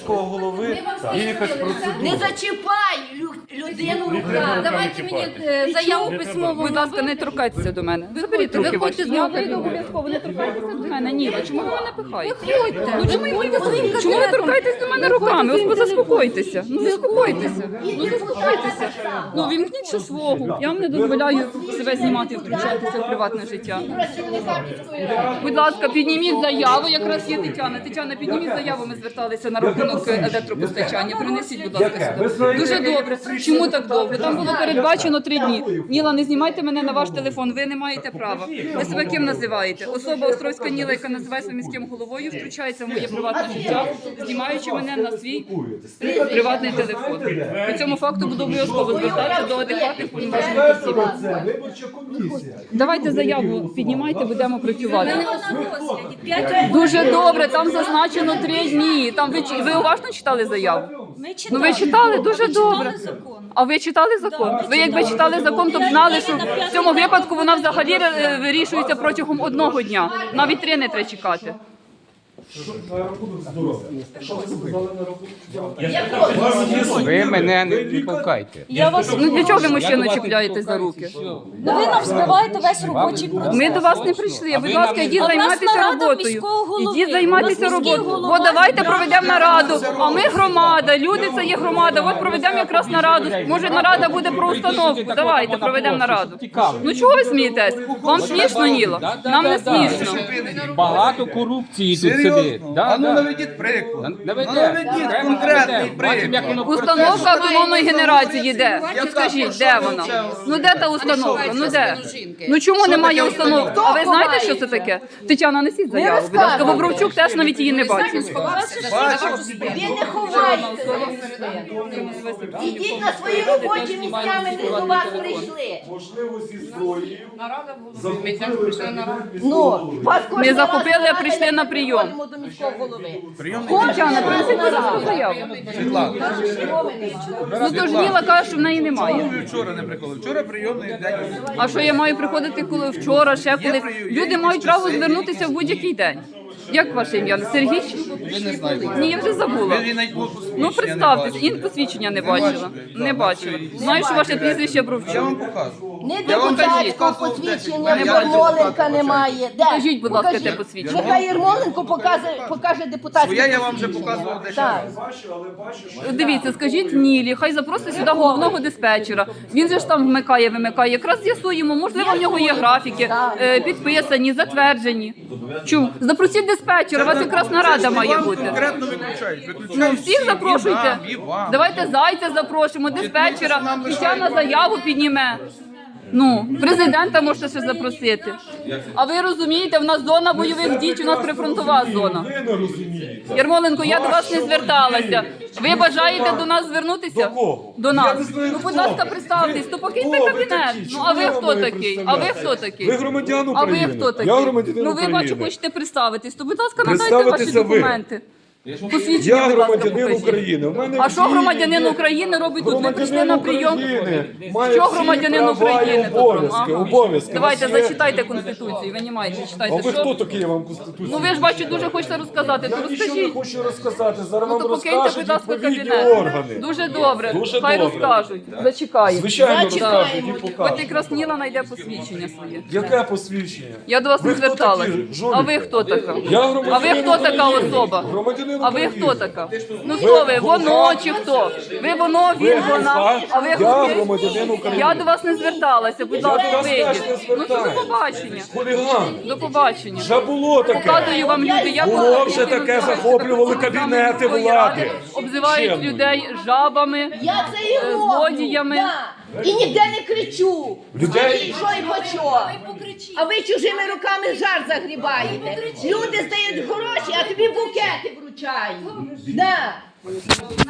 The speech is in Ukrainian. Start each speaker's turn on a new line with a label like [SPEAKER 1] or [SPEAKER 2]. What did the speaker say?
[SPEAKER 1] міського голови є якась процедура.
[SPEAKER 2] Не зачіпай людину руками.
[SPEAKER 3] Давайте мені заяву письмову.
[SPEAKER 4] Будь ласка, не торкайтеся до мене. Заберіть руки ваші. Я вийду обов'язково, не торкайтеся до мене. Ніла, чому ви мене пихаєте? Ну чому ви торкаєтесь до мене руками? Ось заспокойтеся. Ну заспокойтеся. Ну заспокойтеся. Ну вімкніть ще свого. Я вам не дозволяю себе знімати і втручатися в приватне життя. Будь ласка, підніміть заяву, якраз є Тетяна. Тетяна, підніміть заяву, ми зверталися на рахунок електропостачання. Принесіть, будь ласка, сюди. Дуже добре. Чому так довго? Там було передбачено 3 дні. Ніла, не знімайте мене на ваш телефон, ви не маєте права. Ви себе ким називаєте? Особа Островська Ніла, яка називає себе міським головою, втручається в моє приватне життя, знімаючи мене на свій приватний телефон. По цьому факту буду обов'язково звертатися до адекватних повноважених осіб. Давайте заяву піднімайте, будемо працювати. Дуже добре, там зазначено 3 дні. Там ви уважно читали заяву? Ну ви читали? Дуже добре. А ви читали закон? Ви якби читали закон, то б знали, що в цьому випадку вона взагалі вирішується протягом 1 дня. Навіть 3 не треба чекати.
[SPEAKER 5] Ви мене не пускайте.
[SPEAKER 4] Ну для чого ви мужчину чіпляєте за руки?
[SPEAKER 3] Ви нам збиваєте весь робочий процес.
[SPEAKER 4] Ми до вас не прийшли. Будь ласка, йдіть займатися роботою. Ідіть займатися роботою. От давайте проведемо нараду. А ми громада, люди це є громада. От проведемо якраз нараду. Може нарада буде про установку. Давайте проведемо нараду. Ну чого ви смієтесь? Вам смішно, Ніла? Нам не смішно.
[SPEAKER 5] Багато корупції тут сидить.
[SPEAKER 1] А ну наведіть приклад. Наведіть конкретний приклад.
[SPEAKER 4] Установка автономної генерації де? Скажіть, де вона? Ну де та установка? Ну де? Ну чому немає установки? А ви знаєте, що це таке? Тетяна, несіть заяву, будь ласка. Бобровчук теж навіть її не бачив.
[SPEAKER 2] Ви не ховаєте. Ідіть на свої робочі місця, ми не до вас прийшли.
[SPEAKER 1] Можливо, зі зброєю.
[SPEAKER 2] Ну, вас
[SPEAKER 4] Не захопили, а прийшли на прийом.
[SPEAKER 2] ходимо до міського голови.
[SPEAKER 4] Тетяна, принесіть будь ласка, заяву. Ну то ж Ніла каже, що в неї немає.
[SPEAKER 1] Вчора не приходили. Вчора прийомний день.
[SPEAKER 4] А що я маю приходити коли вчора, ще коли? Люди мають право звернутися в будь-який день. Як ваше ім'я? Сергій?
[SPEAKER 1] Ви не знаєте.
[SPEAKER 4] Ні, я вже забула.
[SPEAKER 1] Ви навіть мого посвідчення
[SPEAKER 4] Ну
[SPEAKER 1] не
[SPEAKER 4] представтесь,
[SPEAKER 1] бачили.
[SPEAKER 4] і посвідчення не бачила. Не бачила. Знаю, що ваше прізвище
[SPEAKER 1] Я вам
[SPEAKER 4] Бровчук.
[SPEAKER 1] покажу.
[SPEAKER 2] Не
[SPEAKER 1] Я вам
[SPEAKER 2] депутатського
[SPEAKER 1] покажу,
[SPEAKER 2] посвідчення,
[SPEAKER 1] не
[SPEAKER 2] в
[SPEAKER 1] бачу.
[SPEAKER 2] Ярмоленка немає. Де?
[SPEAKER 4] Покажіть, будь ласка, те
[SPEAKER 2] Покажіть.
[SPEAKER 4] посвідчення.
[SPEAKER 2] Нехай Ярмоленко покаже депутатське
[SPEAKER 1] Своє я вам вже
[SPEAKER 2] посвідчення.
[SPEAKER 1] показував дещо.
[SPEAKER 2] Так.
[SPEAKER 4] Дивіться, скажіть Нілі, хай запросить сюди головного диспетчера. Він же ж там вмикає, вимикає. Якраз з'ясуємо, можливо, в нього є графіки, підписані, затверджені. Чому? Запросіть диспетчера, у вас якраз нарада має бути.
[SPEAKER 1] Конкретно виключають.
[SPEAKER 4] Ну,
[SPEAKER 1] Виключають
[SPEAKER 4] всіх запрошуйте.
[SPEAKER 1] І вам.
[SPEAKER 4] Давайте Зайця запрошуємо, диспетчера. Тетяна заяву підніме. Ну, президента можете ще запросити. А ви розумієте, в нас зона бойових дій, у нас прифронтова зона.
[SPEAKER 1] Ви не розумієте.
[SPEAKER 4] Ярмоленко, я до вас не зверталася. Ви бажаєте до нас звернутися?
[SPEAKER 1] До кого?
[SPEAKER 4] До
[SPEAKER 1] Я
[SPEAKER 4] нас.
[SPEAKER 1] не знаю,
[SPEAKER 4] Ну, будь
[SPEAKER 1] хто
[SPEAKER 4] ласка,
[SPEAKER 1] ви.
[SPEAKER 4] представтесь, то покиньте
[SPEAKER 1] Хто ви
[SPEAKER 4] кабінет.
[SPEAKER 1] такі?
[SPEAKER 4] Ну,
[SPEAKER 1] Чому
[SPEAKER 4] а ви
[SPEAKER 1] я
[SPEAKER 4] хто
[SPEAKER 1] маю
[SPEAKER 4] такий? А ви хто такий?
[SPEAKER 1] Ви громадян
[SPEAKER 4] А ви
[SPEAKER 1] України.
[SPEAKER 4] хто такий?
[SPEAKER 1] Я громадянин
[SPEAKER 4] Ну, ви бачу,
[SPEAKER 1] України.
[SPEAKER 4] хочете представитись, то, будь ласка, надайте ваші
[SPEAKER 1] Представитися ви.
[SPEAKER 4] документи. Посвідчення,
[SPEAKER 1] Я
[SPEAKER 4] будь ласка,
[SPEAKER 1] громадянин
[SPEAKER 4] покажіть.
[SPEAKER 1] України. У мене
[SPEAKER 4] А що
[SPEAKER 1] всі
[SPEAKER 4] громадянин
[SPEAKER 1] є.
[SPEAKER 4] України робить тут? Ви прийшли на прийом?
[SPEAKER 1] України має
[SPEAKER 4] Що
[SPEAKER 1] всі
[SPEAKER 4] громадянин
[SPEAKER 1] права і
[SPEAKER 4] України тут?
[SPEAKER 1] обов'язки?
[SPEAKER 4] Ага.
[SPEAKER 1] Обов'язки.
[SPEAKER 4] Давайте
[SPEAKER 1] У нас є-
[SPEAKER 4] зачитайте Конституцію, ви не маєте,
[SPEAKER 1] А
[SPEAKER 4] читайте.
[SPEAKER 1] ви
[SPEAKER 4] Що?
[SPEAKER 1] хто такий, я вам Конституцію?
[SPEAKER 4] Ну ви ж бачу, дуже хочете розказати, то
[SPEAKER 1] Я нічого не
[SPEAKER 4] розкажіть.
[SPEAKER 1] хочу розказати. Зараз
[SPEAKER 4] Ну
[SPEAKER 1] вам
[SPEAKER 4] то покиньте,
[SPEAKER 1] розкажуть
[SPEAKER 4] будь ласка,
[SPEAKER 1] відповідні
[SPEAKER 4] кабінет.
[SPEAKER 1] органи.
[SPEAKER 4] Дуже добре.
[SPEAKER 1] Дуже
[SPEAKER 4] Хай
[SPEAKER 1] добре.
[SPEAKER 4] розкажуть. Зачекаю.
[SPEAKER 1] Звичайно,
[SPEAKER 2] Зачекаємо.
[SPEAKER 1] розкажуть і
[SPEAKER 4] От
[SPEAKER 1] покажуть.
[SPEAKER 4] якраз Ніла знайде посвідчення своє.
[SPEAKER 1] Яке посвідчення?
[SPEAKER 4] Я до вас
[SPEAKER 1] Ви
[SPEAKER 4] не
[SPEAKER 1] хто
[SPEAKER 4] зверталась.
[SPEAKER 1] такі, жуліки?
[SPEAKER 4] А ви хто така?
[SPEAKER 1] Я
[SPEAKER 4] А
[SPEAKER 1] громадянин
[SPEAKER 4] ви хто така
[SPEAKER 1] України.
[SPEAKER 4] особа?
[SPEAKER 1] Громадянин
[SPEAKER 4] А ви
[SPEAKER 1] України.
[SPEAKER 4] хто така? Ну хто ви? Воно чи хто? Ви воно, він, вона. А ви
[SPEAKER 1] Я
[SPEAKER 4] хто?
[SPEAKER 1] громадянин України.
[SPEAKER 4] Я до вас не зверталася, будь
[SPEAKER 1] Я
[SPEAKER 4] ласка,
[SPEAKER 1] до вас теж
[SPEAKER 4] вийдіть.
[SPEAKER 1] не
[SPEAKER 4] Ну що до
[SPEAKER 1] звертаюсь.
[SPEAKER 4] побачення.
[SPEAKER 1] Хуліган.
[SPEAKER 4] До побачення.
[SPEAKER 1] Вже було таке.
[SPEAKER 4] Показую вам люди, як
[SPEAKER 1] Було
[SPEAKER 4] вони
[SPEAKER 1] вже таке,
[SPEAKER 4] називаються
[SPEAKER 1] захоплювали
[SPEAKER 4] представниками
[SPEAKER 1] кабінети
[SPEAKER 4] міської
[SPEAKER 1] влади.
[SPEAKER 4] ради, обзивають
[SPEAKER 1] Чемно.
[SPEAKER 4] людей жабами.
[SPEAKER 2] Я це і роблю.
[SPEAKER 4] злодіями.
[SPEAKER 2] Да. І ніде не кричу.
[SPEAKER 1] Людей-
[SPEAKER 2] Що і по чому? А ви чужими руками жар загрібаєте. Люди здають гроші, а тобі букети вручають. Да.